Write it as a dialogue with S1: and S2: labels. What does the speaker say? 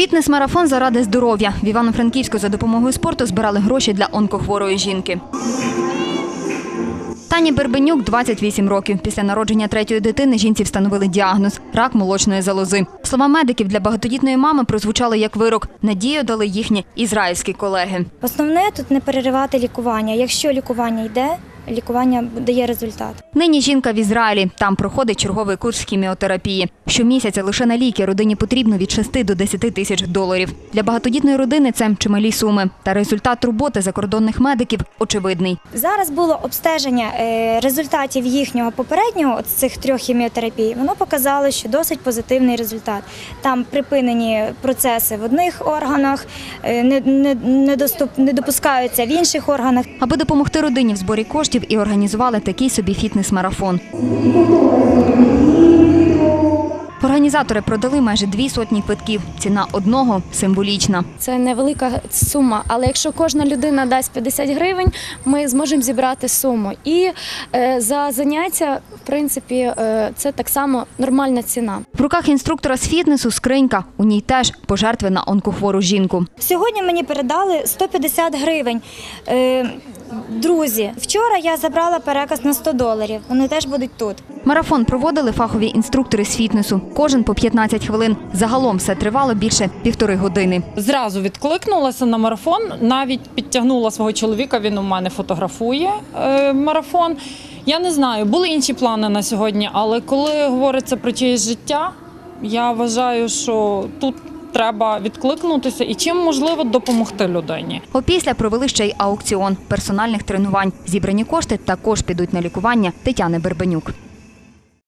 S1: Фітнес-марафон заради здоров'я. В Івано-Франківську за допомогою спорту збирали гроші для онкохворої жінки. Тані Бербенюк – 28 років. Після народження третьої дитини жінці встановили діагноз – рак молочної залози. Слова медиків для багатодітної мами прозвучали як вирок. Надію дали їхні ізраїльські колеги.
S2: Основне тут не переривати лікування. Якщо лікування йде, лікування дає результат.
S1: Нині жінка в Ізраїлі. Там проходить черговий курс хіміотерапії. Щомісяця лише на ліки родині потрібно від 6 до 10 тисяч доларів. Для багатодітної родини це чималі суми. Та результат роботи закордонних медиків очевидний.
S2: Зараз було обстеження результатів їхнього попереднього, цих 3 хіміотерапій. Воно показало, що досить позитивний результат. Там припинені процеси в одних органах, не допускаються в інших органах.
S1: Аби допомогти родині в зборі коштів і організували такий собі фітнес-марафон. Організатори продали майже 200 квитків. Ціна одного символічна.
S3: Це невелика сума, але якщо кожна людина дасть 50 гривень, ми зможемо зібрати суму. І за заняття, в принципі, це так само нормальна ціна.
S1: В руках інструктора з фітнесу скринька. У ній теж пожертви на онкохвору жінку.
S2: Сьогодні мені передали 150 гривень. Друзі, вчора я забрала переказ на $100. Вони теж будуть тут.
S1: Марафон проводили фахові інструктори з фітнесу. Кожен по 15 хвилин. Загалом все тривало більше 1,5 години.
S4: Зразу відкликнулася на марафон, навіть підтягнула свого чоловіка, він у мене фотографує марафон. Я не знаю, були інші плани на сьогодні, але коли говориться про чиєсь життя, я вважаю, що тут треба відкликнутися і чим можливо допомогти людині.
S1: Опісля провели ще й аукціон персональних тренувань. Зібрані кошти також підуть на лікування Тетяни Бербенюк.